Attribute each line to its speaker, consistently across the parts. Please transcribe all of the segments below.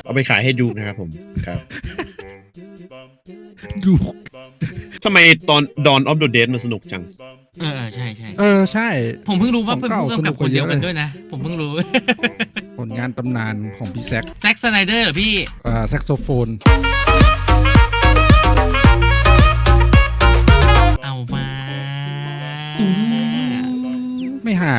Speaker 1: เอาไปขายให้ดูนะครับผมครับ
Speaker 2: ดู
Speaker 1: ทำไมตอนดอนออฟเดอะเดดมันสนุกจัง
Speaker 3: ใช่ใช่
Speaker 2: ใช่
Speaker 3: ผมเพิ่งรู้ว่าเป็นผู้
Speaker 2: ของ
Speaker 3: กำกับ
Speaker 2: เก่า
Speaker 3: คนเดียวกัน
Speaker 2: สนุกกว่าเยอะ
Speaker 3: ด้วยนะ ผมเพิ่งรู้
Speaker 2: ผลงานตำนานของพี่แซค
Speaker 3: แซ็กสไนเดอร์เหรอพี่
Speaker 2: แซกโซโฟน
Speaker 3: เอามา
Speaker 2: ไม่หา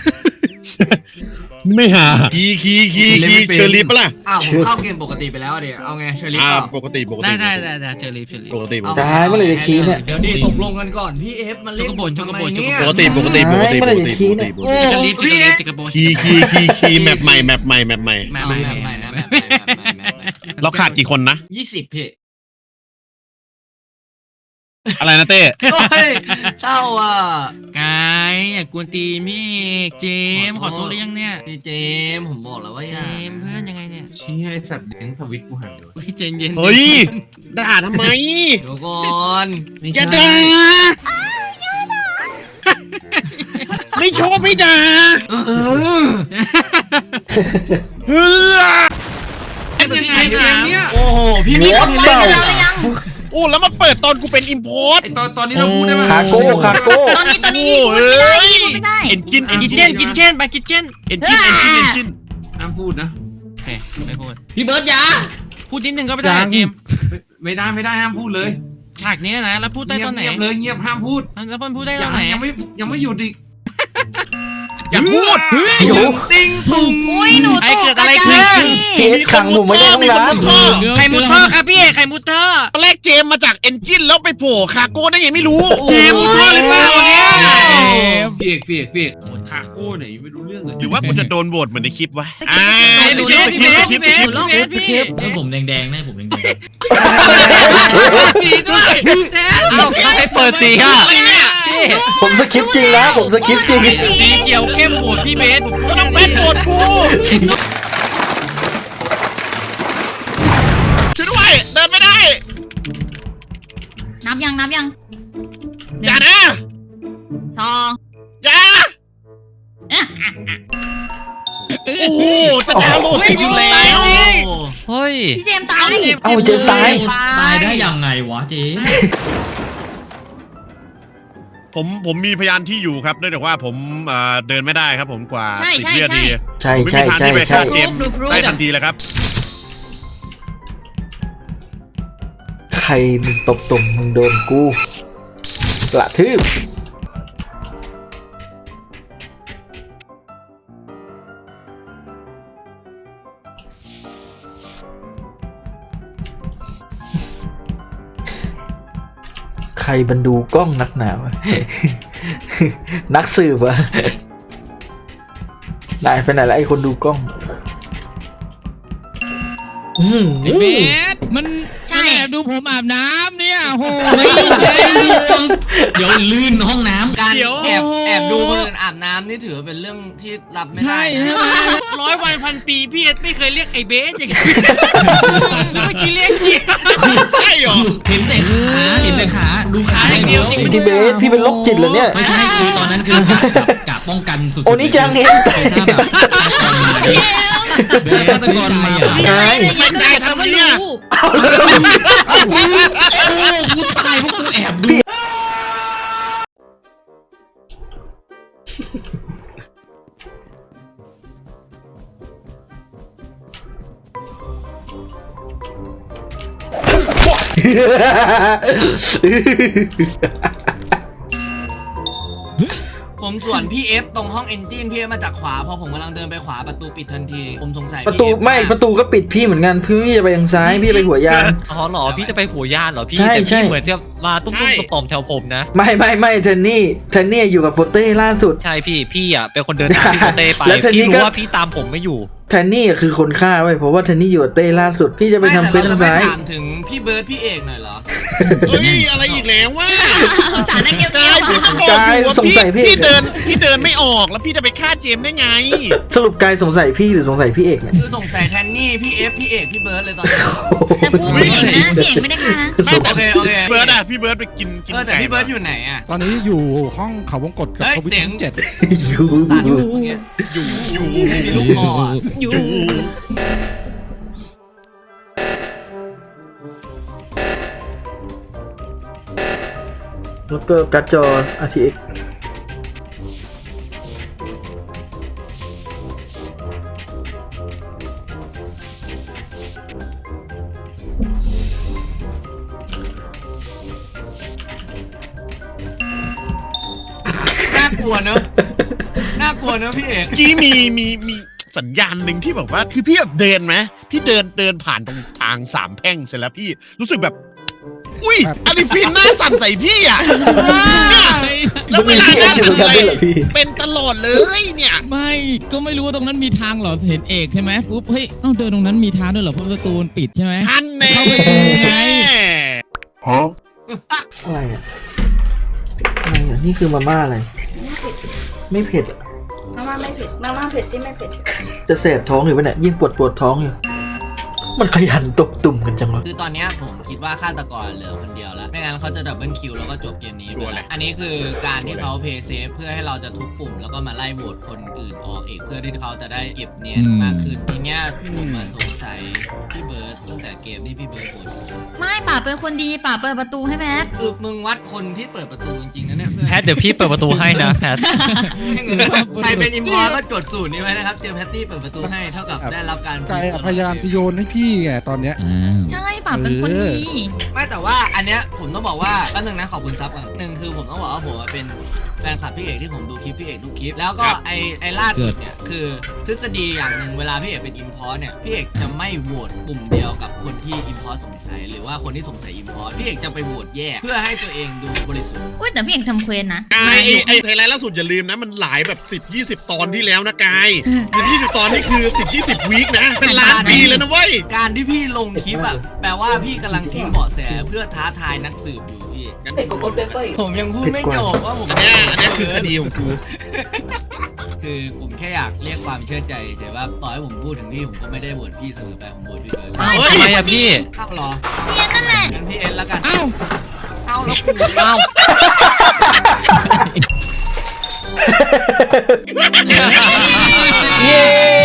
Speaker 1: ไม่หาคีเชอร์ลีปปะล่ะ
Speaker 4: ผมเข้าเกมปกติไปแล้วเดี๋ยวเอาไงเชอร์ลีฟต่อ
Speaker 1: ปกติ
Speaker 3: ได้เจอรีฟ
Speaker 1: ปกติ
Speaker 5: ได้เมื่อไหร่จะคีเนี่ย
Speaker 4: เดี๋ยวดิตกลงกันก่อนพี่เอฟมันเล่น
Speaker 3: จุกกระบน
Speaker 4: ทำไมเนี่ย
Speaker 1: ปกติ
Speaker 5: เมื่อไหร่จะคีเนี่ย
Speaker 4: โอ้
Speaker 3: เจอรีฟ
Speaker 4: พี่เอฟ
Speaker 3: จิกกระโบน
Speaker 1: คีแมปใหม่
Speaker 3: แม่
Speaker 4: แบบใหม่นะแบบใหม่
Speaker 1: เราขาดกี่คนนะ
Speaker 4: 20พี่
Speaker 1: อะไรนะเต้
Speaker 4: โอ้ยเศร้าอ่ะ
Speaker 3: กายอย่ากวนตีนพี่เอกเจมส์ขอโทษหรือยังเนี่ย
Speaker 4: พี่เจมส์ผมบอกแล้วว่า
Speaker 3: เจ
Speaker 4: อย่าม
Speaker 3: ส์เพื่อนยังไงเนี่ย
Speaker 6: ชี้ให้สัตว์เลี้ยงทวิตกูหายเลย
Speaker 3: พี่เจนเย็น
Speaker 1: เฮ้ยด่าทำไม
Speaker 4: เดี๋ยวก่อน
Speaker 1: อย่าด่าไม่ชอบไม่ด่าเฮ้ย
Speaker 3: ยังไงเนี่ย
Speaker 4: โอ้โหพี่
Speaker 5: นี่เราไปกันแล้ว
Speaker 1: โอ้แล้วมาเปิดตอนกูเป็นอิมพอร์ต
Speaker 6: ไอตอนนี้เราพูดได้ไหม
Speaker 5: คาโก้
Speaker 7: ตอนนี้
Speaker 1: โอ้
Speaker 7: ไม่ได้
Speaker 1: ย
Speaker 7: ไม่ได้
Speaker 1: เอ็นจิน
Speaker 3: กิเจนไปกิเจน
Speaker 1: เอ็นจิน
Speaker 6: ห้ามพูดนะ
Speaker 3: โอเคไม่พูด
Speaker 4: พี่เบิร์ดอย่า
Speaker 3: พูดนิดนึงก็ไม่ได้เจมส์
Speaker 6: ไม่ได้ห้ามพูดเลย
Speaker 3: ฉากนี้นะแล้วพูดได้ตอนไหน
Speaker 6: เงียบเลยเงียบห้ามพูด
Speaker 3: แล้วมันพูดได้ตอนไหน
Speaker 6: ยังไม่หยุดอีก
Speaker 1: อย่าพูด
Speaker 5: อยู่
Speaker 4: ติ้งตุ่ม
Speaker 7: อุ้ยหนู
Speaker 3: ไอเกิดอะไรขึ้น
Speaker 5: พี่เอสขังผมไม่ได้ห้องน้
Speaker 3: ใครมุดท่อครับพี่เอกใครมุดท่อ
Speaker 1: ตอนแรกเจมมาจากเอนจินแล้วไปโผล่คาโก้ได้ยังไม่รู้
Speaker 3: เจมมุดท่อหรือเปล่าเนี่ย
Speaker 6: พี่เอกหมดขาโก้ไหนไม่รู้เรื่องเลย
Speaker 1: หรือว่ากูจะโดนโหวตเหมือนในคลิปวะ
Speaker 3: ดู
Speaker 1: คลิ
Speaker 3: เบ
Speaker 1: ป
Speaker 3: ส
Speaker 1: คลิ
Speaker 3: พี่
Speaker 1: ป
Speaker 3: เบ
Speaker 1: คลิ
Speaker 3: ส
Speaker 1: ป
Speaker 3: พี่เบสพี่
Speaker 8: เออผมแดงๆนะผมแดง
Speaker 3: สีด้วยแท้
Speaker 8: ๆเอ้าใครเปิดสีอ่ะ
Speaker 5: ำผมสคริปต์จริงนะผมสคริปต์จริง
Speaker 3: สีเขียวเข้มโหดพี่เบสผมพูด
Speaker 1: ต้องเป็นโหวตกูช่วยด้วยเดินไม่ได้
Speaker 7: นับยัง
Speaker 1: อย่านะ
Speaker 7: สอง
Speaker 1: อย่าโอ้โหจะดาวน์โหลดสิบอยู่แล้ว
Speaker 8: เฮ้ย
Speaker 7: พี่เจมส์ตาย
Speaker 5: เอ้าเจมส์ตาย
Speaker 8: ตายได้ยังไงวะเจ๊
Speaker 1: ผมมีพยานที่อยู่ครับเนื่องจากว่าผมเดินไม่ได้ครับผมกว่า10 วินาที
Speaker 5: ใช่
Speaker 1: ผมไม่
Speaker 5: ใช่
Speaker 1: มีทาง
Speaker 5: ใช่
Speaker 1: ที่ไป
Speaker 5: ใช่
Speaker 1: ฆ่าเจมส์ได้ทันทีเลยครับ
Speaker 5: ใครมึงตบตุ่มมึงโดนกูกระทืบใครบันดูกล้องนักหนาวะ นักสืบวะนายไปไหนแล้วไอ้คนดูกล้อง
Speaker 2: ไอ้เบสมัน
Speaker 7: ใช่
Speaker 2: แอบดูผมอาบน้ำเนี่ยโห
Speaker 8: เดี๋ยวลื่นห้องน้ำ
Speaker 4: การแอบดูคนอื่นอาบน้ำนี่ถือเป็นเรื่องที่รับไม่ได้
Speaker 2: ใช่
Speaker 4: นะ
Speaker 2: ใช่ไหม
Speaker 3: 100 วันพันปีพี่เอสไม่เคยเรียกไอ้เบสอย่างนี้เมื่อกี้เรียกเกียร์
Speaker 1: ใช่เหรอ
Speaker 8: เห็นแต่ขาดูขา
Speaker 3: อย่างเดียวจริง
Speaker 5: พี่เบสพี่เป็นโรคจิตเหรอเนี่ย
Speaker 8: ไม่ใช่คือตอนนั้นคือกะป้องกันสุดๆ
Speaker 5: โอ้นี่จังเห็น
Speaker 8: ถ้าแบบฆาตกรมา
Speaker 7: มีอะไรเลยยังก็เก็บมารู้
Speaker 8: กูตายเพราะกูแอบดู
Speaker 4: ผมส่วนพี่เอฟตรงห้องเอนจินพี่เอฟมาจากขวาพอผมกำลังเดินไปขวาประตูปิดทันทีผมสงสัย
Speaker 5: ประตู
Speaker 4: พี่เอฟ
Speaker 5: ไม่ประตูก็ปิดพี่เหมือนกันพี่จะไปทางซ้ายพี่จะไปหัวยาน
Speaker 8: อ๋อเหรอพี่จะไปหัวยานเหรอพี่
Speaker 5: ใช่
Speaker 8: แต่
Speaker 5: ใช่
Speaker 8: พี่เหมือนจะมาตุ้มๆต่อมๆแถวผมนะ
Speaker 5: ไม่เทนนี่อยู่กับโปเต้ล่าสุด
Speaker 8: ใช่พี่อ่ะเป็นคนเดินตามพี่โปเต้ไป
Speaker 5: แล้วเทนนี่
Speaker 8: พี่รู้
Speaker 5: ก็
Speaker 8: ว่าพี่ตามผมไม่อยู่
Speaker 5: แทนนี่คือคนฆ่าไว้ยเพราะว่าแทนนี่อยู่กับเต้ล่าสุดพี่จะไปทำเควสทางซ้าย
Speaker 4: ไม่แต่เรจะไม่ถามถึงพี่เบิร์ดพี่เอกหน่อยเหรอ
Speaker 1: เฮ้ยอะไรอีกแล้ววะ
Speaker 7: สงสารนักเกี่ยว
Speaker 1: กายผมก็บอกอยู่ว่าพี่เดินไม่ออกแล้วพี่จะไปฆ่าเจมส์ได้ไง
Speaker 5: สรุปกายสงสัยพี่หรือสงสัยพี่เอกเนี่ย
Speaker 4: คือสงสัยแทนนี่พี่เอฟพี่เอกพี่เบิร์ดเลยตอนนี้
Speaker 7: แต่พูดพี่เอกนะพี่เอกไม่ได้ฆ่านะ
Speaker 4: โอเค
Speaker 1: พี่เบิร์ดอะพี่เบิร์ดไปกิน
Speaker 4: แต่
Speaker 1: ไก่
Speaker 4: พี่เบิร์ดอยู่ไหนอ่ะ
Speaker 2: ตอนนี้อยู่ห้องเขาวงกตกับ
Speaker 4: เฮ้ย
Speaker 2: ทวิต
Speaker 4: เสียง
Speaker 2: ทั้ง7
Speaker 5: อยู่
Speaker 4: สั่นอยู่เมื่อกี้
Speaker 1: อยู่
Speaker 4: ไม่มีลูกคออ่ะ
Speaker 7: อยู่
Speaker 1: อยู่
Speaker 5: แล้วก็การ์ดจอ RTX
Speaker 4: น่ากลัวเนอะน่ากลัวเนอะพี่เอก
Speaker 1: เมื่อกี้มีสัญญาณหนึ่งที่แบบว่าคือพี่แบบเดินไหมพี่เดินผ่านตรงทางสามแพร่งเสร็จแล้วพี่รู้สึกแบบ อุ้ยอลิฟินหน้าสั่นใส่พี่อ่ะเนี่ยแล้วเวลาหน้าสั่นอะไรเป็นตลอดเลยเนี่ย
Speaker 2: ไม่ก็ไม่รู้ว่าตรงนั้นมีทางเหรอเห็นเอกใช่ไหมปุ๊บเฮ้ยเอ้าเดินตรงนั้นมีทางด้วยเหรอเพราะประตูมันปิดใช่ไหม
Speaker 1: ท่านแน่
Speaker 2: เข้าไปดูไง
Speaker 5: อะไรอ่ะอะไรอ่ะนี่คือมาม่าอะไร ไม่เผ็ดอะ
Speaker 9: มาม่าไม่เผ็ดมาม่าเผ็ดที่ไม่เผ็ด
Speaker 5: จะแสบท้องอยู่ปะเนี่ยยิ่งปวดท้องอยู่มันขยันตบตุ่มกันจังวะ
Speaker 4: คือตอนเนี้ยผมคิดว่าฆาตกรเหลือคนเดียวแล้วไม่งั้นเขาจะดับเบิลคิวแล้วก็จบเกมนี้ไปแล้วอันนี้คือการที่เขาเพย์เซฟเพื่อให้เราจะทุบปุ่มแล้วก็มาไล่โหวตคนอื่นออกอีกเพื่อที่เขาจะได้เก็บเนียนมากขึ้นทีเนี้ยผมมาสงสัยพี่เบิร์ดตั้งแต่เกมที่พี่เบิร์ดโหวต
Speaker 7: ไม่ป่าเป็นคนดีป่าเปิดประตูให้แมท
Speaker 4: คือมึงวัดคนที่เปิดประตูจริงๆนะเนี่ยเพื่อน
Speaker 3: แพทเดี๋ยวพี่เปิดประตูให้นะแพท
Speaker 4: ใครเป็นอิมพอร์ก็จดสูตรนี้ไว้นะครับเจมส์แพตตี้เปิดประตูให้เท่ากับได้รับการ
Speaker 2: ไก่พยายามจะโยนให้พี่ไงตอนเนี้ย
Speaker 7: ใช่ป่าเป็นคนดี
Speaker 4: ไม่แต่ว่าอันเนี้ยผมต้องบอกว่าแป๊บนึงนะขอบคุณซับก่อนหนึ่งคือผมต้องบอกว่าผมเป็นแฟนคลับพี่เอกที่ผมดูคลิปพี่เอกดูคลิปแล้วก็ไอล่าสุดเนี่ยคือทฤษฎีอย่างหนึ่งเวลาพี่เอกเป็นอิมพอร์เนี่ยพี่เอกจะไม่โหวตปุ่มเดียวกับคนที่อิมพอร์สงสัยหรือว่าคนที่สงสัยอิมพอร์พี่เอกจะไปโหวตแยกเพื่อให้ตัวเองดูบริสุทธิ์
Speaker 7: อุ้ยแต่พี่เอกทำเควสนะ
Speaker 1: กายไอ้ไทยแลนด์ล่าสุดอย่าลืมนะมันหลายแบบ10-20 ตอนที่แล้วนะกาย10-20 ตอนนี่คือ10-20 วีคนะเป็นล้านปีเลยนะเว้ย
Speaker 4: การที่พี่ลงคลิปอ่ะแปลว่าพี่กำลังทิ้งเบาะแสเพื่อท้าทายนักสืบอยู่พี่
Speaker 9: เผ็ดกว่าโกลเด้นเปอร์อีก
Speaker 4: ผมยังพูดไม่จบว่าผม
Speaker 1: อันเนี้ยคือคดีของกู
Speaker 4: คือผมแค่อยากเรียกความเชื่อใจเฉยว่าต่อให้ผมพูดถึงพี่ผมก็ไม่ได้โหวตพี่เสมอไปผมโหวตพี่เบิร์ด
Speaker 7: เอ้า
Speaker 1: เฮ้ย
Speaker 3: ทำไมอะพี่
Speaker 4: เอ้าเหรอ
Speaker 7: เพี้ยนนั่นแหละ
Speaker 4: งั้นพี่เอ็นแล้วกัน
Speaker 2: เอ้า
Speaker 4: เอ้าแล้วกู
Speaker 3: เอ้า
Speaker 5: เย้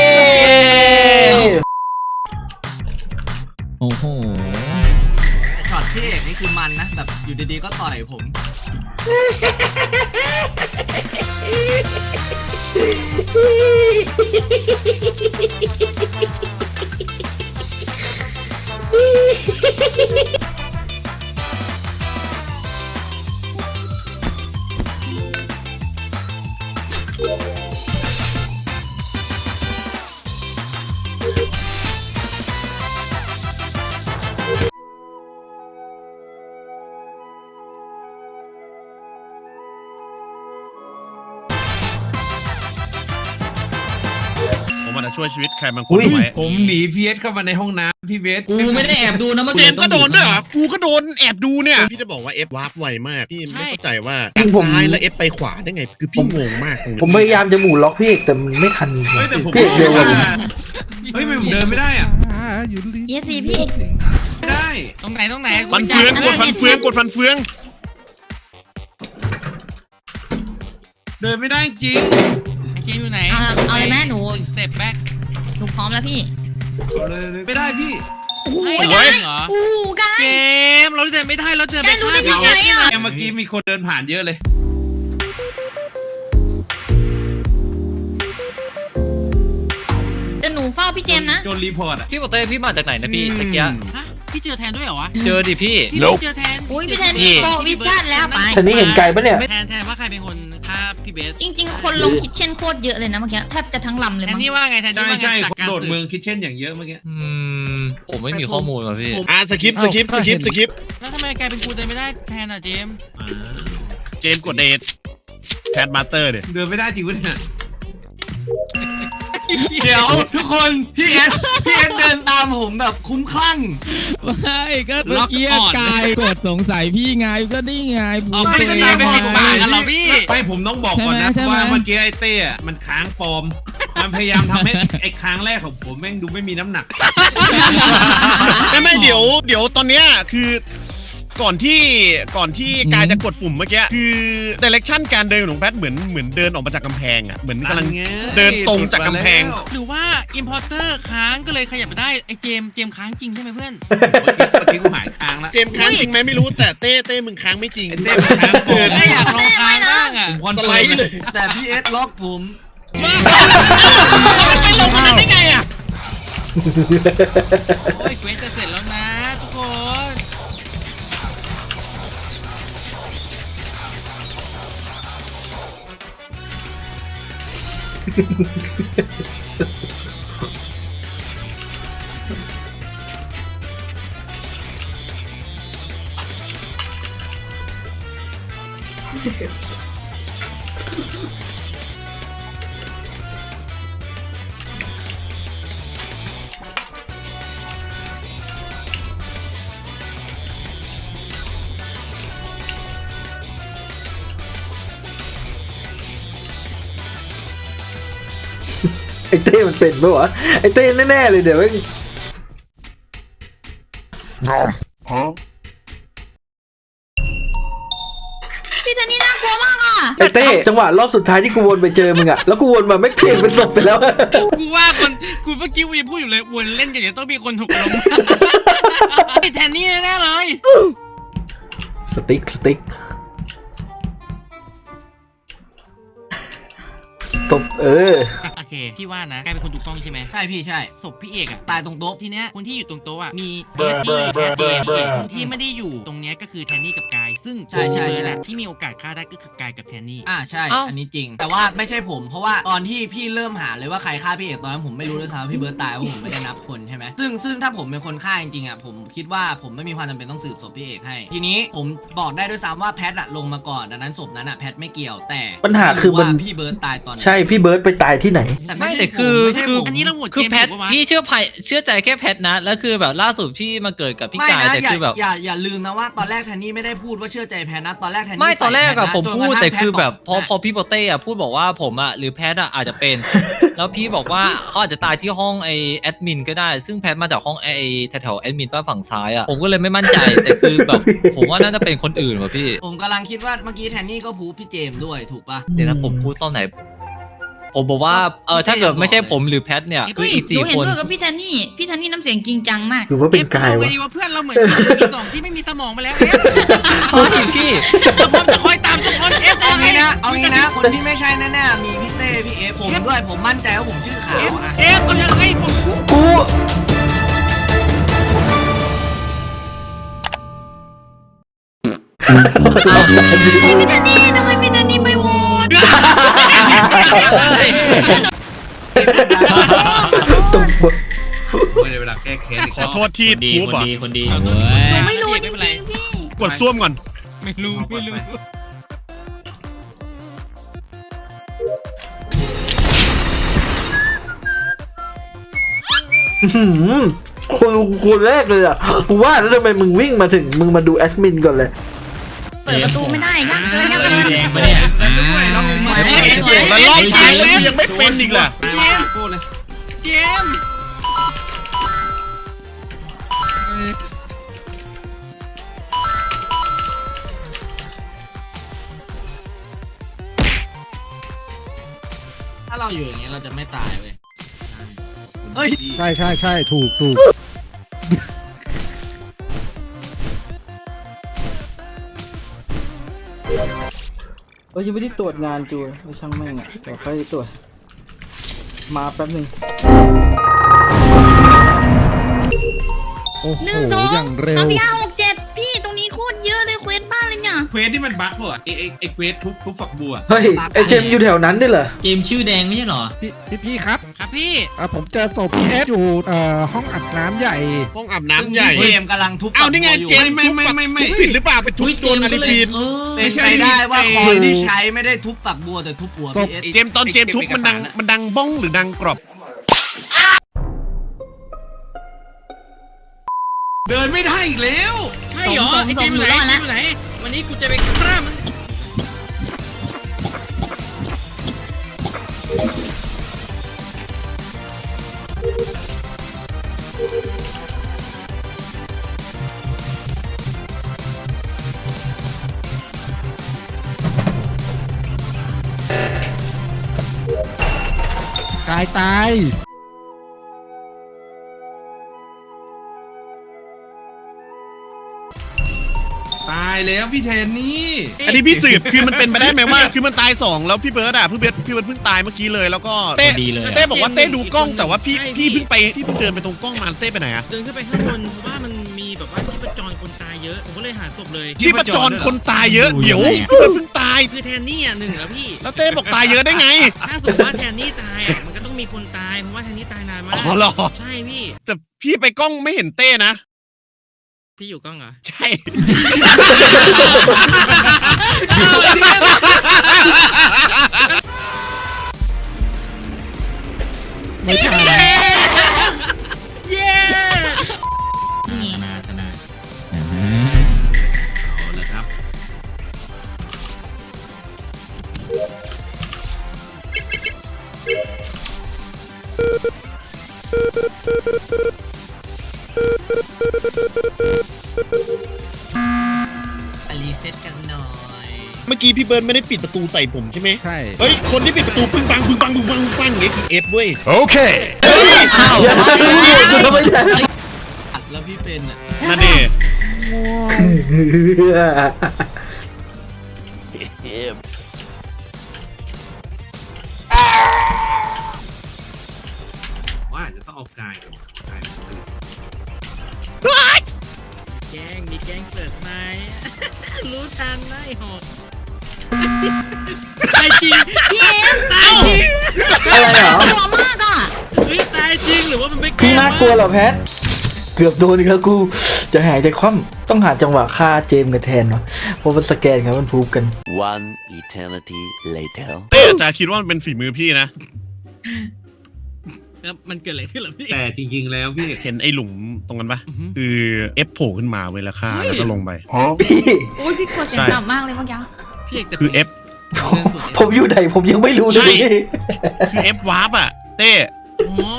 Speaker 2: โอ้โห
Speaker 4: ช็อตพี่เอกนี่คือมันนะแบบอยู่ดีๆก็ต่อยผม
Speaker 1: ผมอาจจะช่วยชีวิตใครบางคนไว้
Speaker 6: ผมหนีพีเอสเข้ามาในห้องน้ำพี่เบส
Speaker 8: กูไม่ได้แอบดูนะเมื่อ
Speaker 1: เจ
Speaker 8: กี้
Speaker 1: มส์ก็โดนด้วยเหรอกูก็โดนแอบดูเนี่ยพี่จะบอกว่าเอฟวาร์ปไวมากพี่ไม่เข้าใจว่าจากซ้ายแล้วเอฟไปขวาได้ไงคือพี่งงมากตรงนี้
Speaker 5: ผมพยายามจะหมู่ล็อกพี่เอกแต่มันไม่ทัน
Speaker 6: เฮ้ยแต่ผม
Speaker 5: พี่เอกเร็วกว่าผม
Speaker 6: เฮ้ยทำไมผมเดินไม่ได้อ่ะ
Speaker 2: อยู่ลิ้น
Speaker 7: เยสีพี่
Speaker 6: ไม่ได้
Speaker 3: ตรงไหน
Speaker 1: ฟันเฟืองกดฟันเฟืองกดฟันเฟือง
Speaker 6: เดินไม่ได้จริง
Speaker 3: ไอ้เจมอยู่ไหน
Speaker 7: เอาเลยแม่หนู
Speaker 3: สเต็ปแบ็ค
Speaker 7: หนูพร้อมแล้วพี่
Speaker 6: เอาเลยไม่ได้พี่
Speaker 7: โอ้โห
Speaker 3: ไอ้
Speaker 7: ได้
Speaker 3: เหรอ
Speaker 7: โอ้โหได้
Speaker 3: เกมเราเดินไม่ได้เราเดินไป
Speaker 7: แกรู้ได้
Speaker 3: ข้าง
Speaker 7: ยังไงอะ
Speaker 6: เมื่อกี้มีคนเดินผ่านเยอะเลย
Speaker 7: แต่หนูเฝ้าพี่เจมส์นะ
Speaker 6: โดนรีพอร์ตอ่ะ
Speaker 10: พี่บอกเต้พี่มาจากไหนนะพี่ตะกี้
Speaker 3: ฮะพี่เจอแทนด้วยเหรอวะ
Speaker 10: เจอดิพี่
Speaker 3: พี่เจอแทน
Speaker 7: อุ้ยพี่แทนนี่โปรวิชั่นแล้วไป
Speaker 5: ฉันนี่เห็นไกลปะเนี่ย
Speaker 3: แทนว่าใครเป็นคนฆ่าพี่เบส
Speaker 7: จริง ๆ คนลงคิดเช่นโคตรเยอะเลยนะเมื่อกี้แทบจะทั้งลำเลย
Speaker 3: แทน
Speaker 7: มั้ง
Speaker 3: นี่ว่าไงแทนนี่
Speaker 6: ใช่
Speaker 3: ว่าไง
Speaker 6: ใช่
Speaker 3: จาก
Speaker 6: คน
Speaker 3: การ
Speaker 6: โดด
Speaker 3: สืบ
Speaker 6: เมืองคิทเช่นอย่างเยอะเมื่อกี้
Speaker 10: ผมไม่มีข้อมูลว่ะพี่
Speaker 1: สคริปต์สคริปต์สคริปต์สคริปต์
Speaker 3: แล้วทำไมกลายเป็นกูเดินไม่ได้แทนอ่ะเจมส์
Speaker 1: เจมส์กดเดทแทนมาสเตอร์เนี่ย
Speaker 6: เดินไม่ได้จริงวะเนี่ย
Speaker 4: เดี๋ยวทุกคนพี่เอสเดินตามผมแบบคุ้มคลั่ง
Speaker 2: ไม่ก็เมื่อกี้กายกดสงสัยพี่ไงก็นี่ไงพู
Speaker 3: เอา
Speaker 2: ด
Speaker 3: ไม่
Speaker 2: เอ
Speaker 3: ก็
Speaker 2: ง
Speaker 3: ตามไป
Speaker 2: ไง
Speaker 3: ให้กูบ้ากันเหรอพี่
Speaker 6: ไปผมต้องบอกก่อนนะ
Speaker 2: ใช่ไหม
Speaker 6: ว่าเมื่อกี้ไอ้เต้อะมันค้างปลอม มันพยายามทำให้ไอ้ค้างแรกของผมแม่งดูไม่มีน้ำหนัก
Speaker 1: ไม่เดี๋ยวตอนเนี้ยคือก่อนที่กายจะกดปุ่มเมื่อกี้คือดิเรกชันการเดินของแพทเหมือนเดินออกมาจากกำแพงอ่ะเหมือนกำลังเดินตรงจากกำแพง
Speaker 3: หรือว่า importer ค้างก็เลยขยับไปได้ไอ้เจมค้างจริงใช่ไหมเพื่อน
Speaker 6: เมื่อกี้กูหายค้างแล้ว
Speaker 1: เจมส์ค้างจริงไหมไม่รู้แต่เต้มึงค้างไม่จริง
Speaker 6: เต้มันค้างปลอม
Speaker 3: อยากลองค้างบ้างอ่ะ
Speaker 6: ผมคอน
Speaker 1: ส
Speaker 6: เฟิ
Speaker 1: ไล
Speaker 6: ร์ม
Speaker 1: ด์
Speaker 6: เล
Speaker 1: เลย ย
Speaker 4: แต่พี่เอสล็อกผม
Speaker 1: มันไปลงมันนั้นได้ไงอ่ะ
Speaker 3: โอ้ยเควสจะเสร็จแล้วนะทุกคน
Speaker 5: ไอเต้มันเป็นปะวะไอเต้แน่ๆเลยเดี๋ยวแม่ง
Speaker 7: พี่เจนนี่น่ากลัวมากอ่ะ
Speaker 5: ไอเต้จังหวะรอบสุดท้ายที่กูวนไปเจอมึงอะแล้วกูวนมาไม่เพลงเป็นศพไปแล้ว
Speaker 3: กูว่ากูเมื่อกี้กูยังพูดอยู่เลยวนเล่นกันเดี๋ยวต้องมีคนถูกลงไอ้แทนนี่แน่เลย
Speaker 5: สติ๊กตบ
Speaker 3: โอเคพี่ว่านะกลายเป็นคนถูกต้องใช่ไหม
Speaker 4: ใช่พี่ใช่
Speaker 3: ศพพี่เอกอะ
Speaker 4: ตายตรงโต๊ะ
Speaker 3: ทีเนี้ยคนที่อยู่ตรงโต๊ะอะมีเอฟดี้แพทเจมคนที่ไม่ได้อยู่ตรงเนี้ยก็คือแทนนี่กับกายซึ่ง
Speaker 4: ใช่ใช่
Speaker 3: เบิร์ดอะที่มีโอกาสฆ่าได้ก็คือกายกับแทนนี่
Speaker 4: ใช่
Speaker 10: เอ้า
Speaker 4: อันนี้จริง แต่ว่าไม่ใช่ผมเพราะว่าตอนที่พี่เริ่มหาเลยว่าใครฆ่าพี่เอกตอนนั้นผมไม่รู้ด้วยซ้ำว่าพี่เบิร์ตตายว่าผมไม่ได้นับคนใช่ไหมซึ่งถ้าผมเป็นคนฆ่าจริงๆอ่ะผมคิดว่าผมไม่มีความจำเป็นต้องสืบศพพี่เอกให้ ทีนี้ผมบอกได้ด้วยซ้ำว่าแพทอะลงมาก่อนดังนั้นศพนั้นอะแพทไม่เกี่ยวแต่
Speaker 5: ปัญหาคือมัน
Speaker 4: ว่าพี่เบิร์ตตายตอนนั้น
Speaker 5: ใช่พี่เบิร์ดไปตายที่ไหน
Speaker 4: แต่
Speaker 10: ไม่
Speaker 4: ใช่
Speaker 10: แต่คือ
Speaker 4: ผมไม่ใช่ผม
Speaker 3: อันนี้เราโหวต
Speaker 10: คือ
Speaker 3: เจมส์
Speaker 10: แพท
Speaker 3: ถูกปะวะ
Speaker 10: พี่เชื่อใจแค่แพทนะแล้วคือแบบล่าสุดที่มาเกิดกับพี่
Speaker 4: ไม่
Speaker 10: กาย
Speaker 4: นะ
Speaker 10: แต่
Speaker 4: อย่า
Speaker 10: คือแบบ
Speaker 4: อย่าลืมนะว่าตอนแรกแทนนี่ไม่ได้พูดว่าเชื่อใจแพทนะตอนแรกแทนนี่
Speaker 10: ไม่ตอนแรกอะ
Speaker 4: ใส่
Speaker 10: ผม
Speaker 4: แพทนะ
Speaker 10: พูด
Speaker 4: จนกระทั่ง
Speaker 10: แต่คือแบบ
Speaker 4: พท
Speaker 10: พอพี่โปเต้อะพูดบอกว่าผมอะหรือแพทอะอาจจะเป็น แล้วพี่บอกว่าเขาอาจจะตายที่ห้องไอแอดมินก็ได้ ซึ่งแพทมาจากห้องไอแถวๆแอดมินป้าฝั่งซ้ายอะผมก็เลยไม่มั่นใจแต่คือแบบผมว่าน่าจะเป็นคนอื่นว่ะพี่
Speaker 4: ผมกำลังคิดว่าเมื่อกี้แทนนี่ก็พูดพี่เจมส์ด้วยถูกปะ
Speaker 10: เดี๋ยวนะผมพูดตอนไหน ผมบอกว่าถ้าเกิดไม่ใช่ผมหรือแพทเนี่ยคือ
Speaker 7: เฮ้ย
Speaker 10: อีก
Speaker 7: หนู
Speaker 10: 4
Speaker 7: เห็น
Speaker 10: คน
Speaker 7: ด้วยกับพี่แทนนี่น้ำเสียงจริงจังมาก
Speaker 5: หรือว่าเป็นกายวะ
Speaker 3: เอฟเอาไว้ว่าเพื่อนเราเหมือนมีสองที่ไม่มีสมองไปแล้วเอฟ
Speaker 10: เฮ้ยพี่
Speaker 3: เราพร้อมจะคอยตามทุกคนเอฟ
Speaker 4: เอางี้นะคนที่ไม่ใช่แน่ๆมีพี่เต้พี่เอฟผมด้วยผมมั่นใจว่าผมชื่อขาวอะ
Speaker 3: เอฟกำลังให้ผม
Speaker 5: กู
Speaker 7: พี่แทนนี่ทำไมพี่แทนนี่ไปโหวต
Speaker 5: ตบ
Speaker 6: ไม่ได้เวลาแก้แค้นอีก
Speaker 1: ขอโทษที่ทูบอ่ะ
Speaker 8: คนดี
Speaker 7: หนูไม่รู้จริงๆพี่
Speaker 1: กดซ่วมก่อน
Speaker 3: ไม่รู้
Speaker 5: คนแรกเลยอ่ะกูว่าแล้วทำไมมึงวิ่งมาถึงมึงมาดูแอดมินก่อนเลย
Speaker 7: เปิดประตูไม่ได้ยากเกิน
Speaker 8: แดงมาเนี่ย
Speaker 1: แล้วรอบท้ายแล้วยังไม่เป็นอีกล่ะ
Speaker 6: พูดเลย
Speaker 3: เจมส์
Speaker 4: ถ้าเราอยู่อย่างเงี้ยเราจะไม่ตายเว้ย
Speaker 11: ใช่ถูก
Speaker 12: ยังไม่ได้ตรวจงานจูไม่ช่างแม่งอ่ะเดี๋ยวค่อยตรวจมาแป๊บหนึ่ง
Speaker 11: โอ้โห
Speaker 7: 1 2
Speaker 11: อย่างเร็ว
Speaker 7: 3 4 5 6 7พี่ตรงนี้โคตรเยอะเลยเควสบ้านเลยเนี่ย
Speaker 6: เควสที่มันบั๊กเหรอไอเควสทุบฝักบัว
Speaker 5: เฮ้ยไอเจมส์อยู่แถวนั้นด้วยเหรอ
Speaker 8: เจมส์ชื่อแดงไม่ใช่เหรอ
Speaker 11: พี่ครับ
Speaker 3: ครับพี่
Speaker 11: ผมเจอศพพี่เอสอยู่ห้องอาบน้ำใหญ่
Speaker 1: ห้องอาบน้ำใหญ่
Speaker 4: เจมส์กำลังทุบ
Speaker 1: เอานี่ไง
Speaker 4: อยู่
Speaker 1: เจมส์ทุบผิดหรือเปล่าไปทุบโจรอาริฟีน
Speaker 4: เป็นไปได้ว่าคนที่ใช้ไม่ได้ทุบฝักบัวแต่ทุบหัว
Speaker 11: ศพ
Speaker 4: พี่เอส
Speaker 1: เจมส์ตอนเจมส์ทุบมันดังบ้องหรือดังกรอบ
Speaker 6: เดินไม่ได้อีกแล้ว
Speaker 3: ใช่เหรอไอ้เจมส์อยู่ไหนอยู่ไหนวันนี้กูจะไปฆ่ามัน
Speaker 11: กายตาย
Speaker 6: ตายแล้วพี่แทนนี่
Speaker 1: อันนี้พี่สืบคือมันเป็นไปได้ไหมว่าคือมันตาย2แล้วพี่เบิร์ดเพิ่งตายเมื่อกี้เลยแล้วก็เต้
Speaker 8: ดีเลย
Speaker 1: เต้บอกว่าเต้ดูกล้องแต่ว่าพี่เพิ่งเดินไปตรงกล้องมาเต้ไปไหนอะ
Speaker 3: เดินขึ้นไปข้างบนเพราะว่ามันมีแบบว่าที่ประจรคนตายเยอะผมก็เลยหาศพเลย
Speaker 1: ที่ประจรคนตายเยอะเดี๋ยวพี่เบิร์ดเพิ่งตาย
Speaker 3: คือแทนนี่อ่ะหนึ่งแล้วพี่
Speaker 1: แล้วเต้บอกตายเยอะได้ไง
Speaker 3: ถ้าสมมติว่าแทนนี่ตายอ่ะมันก็ต้องมีคนตายเพราะว่าแทนนี่ตายนานมาก
Speaker 1: อ๋อเหรอ
Speaker 3: ใช่พี่
Speaker 1: แต่พี่ไปกล้องไม่เห็นเต้นะ
Speaker 3: พี่อยู่กล้องเหรอ
Speaker 1: ใช่
Speaker 11: ไม่ใช่
Speaker 3: เย้
Speaker 7: นี่
Speaker 8: นาธนา
Speaker 6: เอาละครับ
Speaker 4: รีเซ็ตกันหน่อย
Speaker 1: เมื่อกี้พี่เบิร์ดไม่ได้ปิดประตูใส่ผมใช่ไหม
Speaker 11: ใช่
Speaker 1: เฮ้ยคนที่ปิดประตูปึ้งปังอย่างเงี้ยคือเอฟเว้ย
Speaker 5: อย่ามาดูกูทำไมเนี่ย
Speaker 4: อัดแล้วพี่เป็นอ่ะ
Speaker 1: นั่นเอง
Speaker 6: ว่าจะต้องเอากายกับกาย
Speaker 3: แกงมีแกงเสิร์ฟไหม รู้ทันนะไอ้หอกตายจริงพี่เอ็มตายจริง
Speaker 5: อะไรเหรอ
Speaker 7: กลัวมากอ่ะ
Speaker 3: เฮ้ยตายจริงหรือว่ามันไม่
Speaker 5: พี่น่ากลัวเหรอแพท เกือบโดนอีกแล้วกู จะหายใจคว่ำต้องหาจังหวะฆ่าเจมส์กับแทนวะเพราะมันสแกนกันมันพูบกัน
Speaker 13: One eternity later
Speaker 1: เต้จะคิดว่ามันเป็นฝีมือพี่นะ
Speaker 3: แล้วมันเกิดอะไรขึ้นเหรอพี่
Speaker 6: แต่จริงๆแล้วพี่
Speaker 1: เห็นไอ้หลุมตรงนั้นปะคือเอฟโผล่ขึ้นมาเวลาฆ่าแล้วก็ลงไป
Speaker 5: พี่
Speaker 7: โอ้ยพี่กดเสียงต่ำมากเลยเมื่อกี้
Speaker 3: พี่เอกแต่
Speaker 1: คือเอฟ
Speaker 5: ผมอยู่ไหนผมยังไม่รู้เลย
Speaker 1: คือเอฟวาร์ปอะเต้
Speaker 3: อ๋อ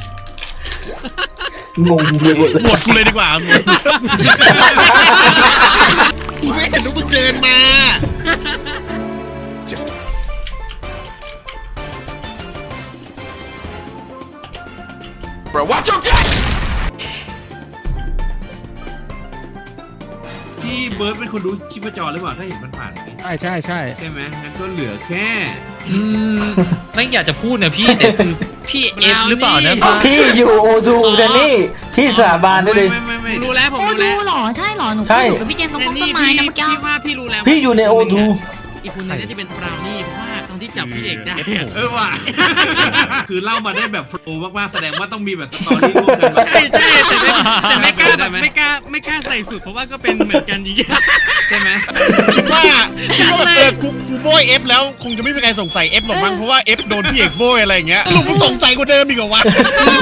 Speaker 5: งงเลยหมดเลย
Speaker 1: หมดกูเลยดีกว่าหมดกูไม่เห็นว่ามึงเดินมา
Speaker 6: พี่เบิร์ดเป็นคนดูชีพจรหรือเปล่าถ้าเห็นมันผ่านอย่างนี้
Speaker 11: ใช่ใช่ใช่
Speaker 6: ใช่ไหมงั้นก็เหลือแค่
Speaker 10: ไม่อยากจะพูดนะพี่แต่คือพี่เอฟหรือเปล่านะ
Speaker 5: พี่อยู่โอทูแทนนี่พี่สาบานได้เลย
Speaker 6: ไม่
Speaker 3: ผมรู้แล้วผม
Speaker 7: โอ้
Speaker 3: รู้
Speaker 7: ดู
Speaker 3: แล้ว
Speaker 7: เหรอใช่เหรอหนู
Speaker 5: ใช่
Speaker 7: อยู่กับพี่เจมส์ตรง
Speaker 3: แต่
Speaker 7: ต้น
Speaker 3: นี่
Speaker 7: ไม้
Speaker 3: พี่
Speaker 7: นะเมื่อกี้
Speaker 3: พี่ว่าพี่รู้แล้ว
Speaker 5: พี่อยู่ในโอทู
Speaker 3: อีกคนหนึงน่าจะเป็นบราวนี่เพราะว่าตอนที่จับพี่เอกได้อะ
Speaker 6: ว่ะ คือเล่ามาได้แบบโฟล์มากๆแสดงว่าต้องมีแบบสตอรี่ร่วมกัน
Speaker 3: ใช่แต่ไม่กล้าแบบไม่กล้าใส่สุดเพราะว่าก็เป็นเหมือนกันจริง
Speaker 6: ใช่ไหม
Speaker 1: คิดว่ากูโบยเอฟแล้วคงจะไม่มีใครสงสัยเอฟหรอกมั้งเพราะว่าเอฟโดนพี่เอกโบยอะไรอย่างเงี้ยลุงสงสัยกว่าเดิมอีกเหรอวะ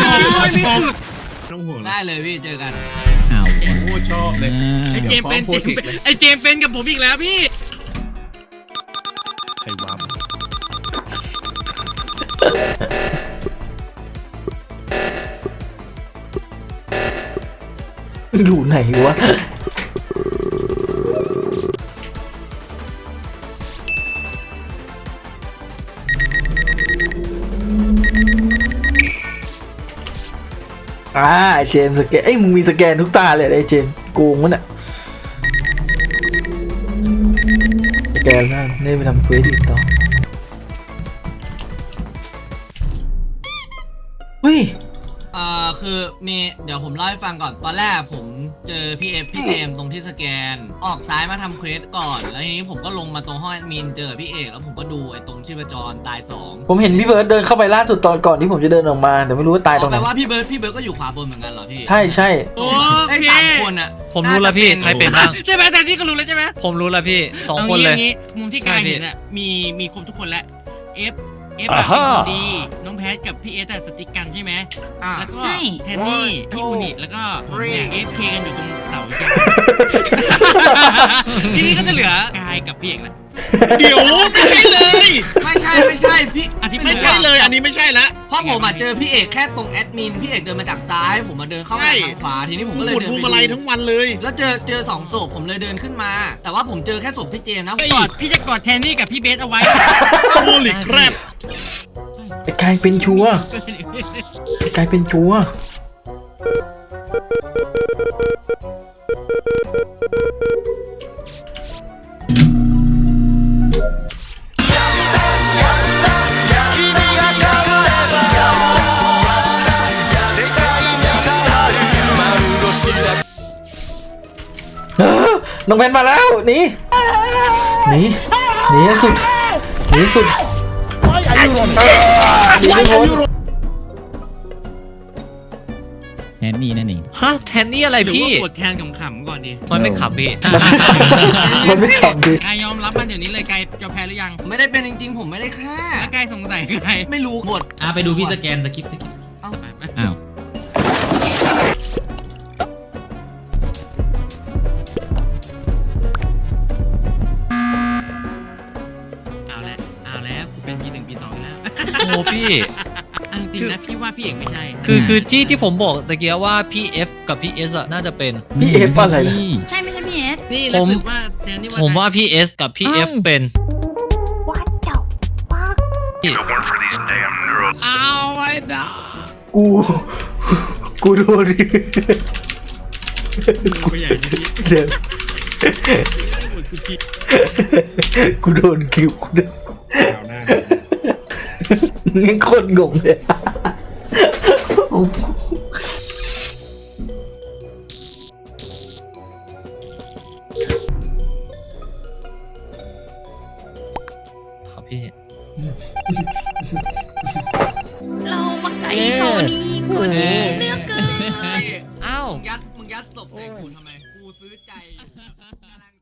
Speaker 6: ต้องห่วง
Speaker 4: ได้เลยพี่เจอกัน
Speaker 2: อ้าว
Speaker 6: โอ้ชอบเลย
Speaker 3: ไอ้เจมส์เป็นไอ้เจมส์เป็นกับผมอีกแล้วพี่
Speaker 1: ใครวาร์ป
Speaker 5: อยู่ไหนวะ ไอเจมส์สแกนมึงมีสแกนทุกตาเลยไอเจมส์โกงมันอะสแกนแล้วนี่ไปทำเควสอีกต่อเฮ้ย
Speaker 4: คือมีเดี๋ยวผมเล่าให้ฟังก่อนตอนแรกผมเจอพี่เอฟพี่เจมส์ตรงที่สแกนออกซ้ายมาทำเควสก่อนแล้วทีนี้ผมก็ลงมาตรงห้องแอดมินเจอพี่เอกแล้วผมก็ดูไอ้ตรงชีพจรตาย2
Speaker 5: ผมเห็นพี่เบิร์ดเดินเข้าไปล่าสุดตอนก่อนที่ผมจะเดินออกมาแต่ไม่รู้ว่าตายตรงไห
Speaker 4: แป
Speaker 5: น
Speaker 4: ลว่าพี่เบิร์ดก็อยู่ขวาบนเหมือนกันเหรอพี่
Speaker 5: ใช่ใช่
Speaker 3: โอ
Speaker 4: ไอ้
Speaker 3: เค
Speaker 4: 3 คนอ่ะ
Speaker 10: ผมรู้แล้วพี่ใครเป็นบ้าง
Speaker 3: ใช่ไหมแต่นี่ก็รู้แล้วใช่ไหม
Speaker 10: ผมรู้แล้วพี่สอง
Speaker 3: า
Speaker 10: คนเลย
Speaker 3: งี้มุมที่กาย
Speaker 10: ใช่พี่
Speaker 3: เห็นอ่ะมีครบทุกคนแล้วเอฟอะเป็นคนดีน้องแพทกับพี่เอสแต่สติกกันใช่ไหม
Speaker 4: อ่ะ
Speaker 3: แล้วก็
Speaker 7: ใช่
Speaker 3: แทนนี่พี่อูนิแล้วก็ผมเนี่ยเอฟเคกันอยู่ตรงเสาใหญ่ทีนี้ก็จะเหลือกายกับพี่เอกแล้ว
Speaker 1: เดี๋ยวไม่ใช่เลย
Speaker 4: ไม่ใช่พี่
Speaker 3: อธิบาย
Speaker 1: ไม่ใช่เลยอันนี้ไม่ใช่ละ
Speaker 4: เพราะผมอ่ะเจอพี่เอกแค่ตรงแอดมินพี่เอกเดินมาจากซ้าย ผมมาเดินเข้ามาทางขวาทีนี้ผมก็เลย
Speaker 1: หมุน
Speaker 4: เดิน
Speaker 1: พวง
Speaker 4: ไป
Speaker 1: มาลัย
Speaker 4: ดู
Speaker 1: ทั้งวันเลย
Speaker 4: แล้วเจอ2 ศพผมเลยเดินขึ้นมา แต่ว่าผมเจอแค่ศพพี่เจมส์นะ
Speaker 3: กอดพี่จะกอดแทนนี่กับพี่เบสเอาไว้
Speaker 1: โอลิแครบ
Speaker 3: ใ
Speaker 5: ไอ้กายเป็นชัวร์ไอ้กายเป็นชัวร์น้องแพนมาแล้วหนีหนีให้สุดหนีให้สุดหนีไม่พ้น
Speaker 2: แทนนี่นั่นเอง
Speaker 10: ฮะแทนนี่อะไร
Speaker 3: หรือ
Speaker 10: พี่
Speaker 3: ว่ากดแทนขำๆก่อนดี
Speaker 10: มันไม่ขับพี่
Speaker 5: มันไม่ขำดิ
Speaker 3: กายยอมรับมันเดี๋ยวนี้เลยกายจะแพ้หรือยัง
Speaker 4: ไม่ได้เป็นจริงๆผมไม่ได้ฆ่า
Speaker 3: แล้วกายสงสัยใคร
Speaker 4: ไม่รู้หมด
Speaker 8: ไปดูพี่สแกนสกิป
Speaker 3: เอ้าไป
Speaker 2: อ้าว
Speaker 3: เอาแล้วกูเป็นปี1ปี2อีกแล้ว
Speaker 10: โอ้พี่
Speaker 3: เอาจริงนะพี่ว่าพี่เอกไม่ใช่
Speaker 10: คือที่ผมบอกตะเกียว่าพี่ F กับพี่ S อะน่าจะเป็น
Speaker 5: พี่เอฟอะไรนะ
Speaker 7: ใช่ไม่ใช่พี่เอส
Speaker 3: นี่รู้สึกว่าแทนนี่ว่า
Speaker 10: ผมว่าพี่ S กับพี่ F เป็น
Speaker 7: What the fuck
Speaker 2: เอาไว้นะ
Speaker 5: กูโดนดิ
Speaker 3: กูใหญ่ที่
Speaker 5: เดี๋ยวกูโดนคิวกูโดนงั้นโคนงงเลย
Speaker 10: ครับพี่
Speaker 7: เรามาไก่โชว์นี้กูดีเลือกเกิน
Speaker 10: อ้าว
Speaker 4: มึงยัดศพใส่กูทำไม กูซื้อใจอยู่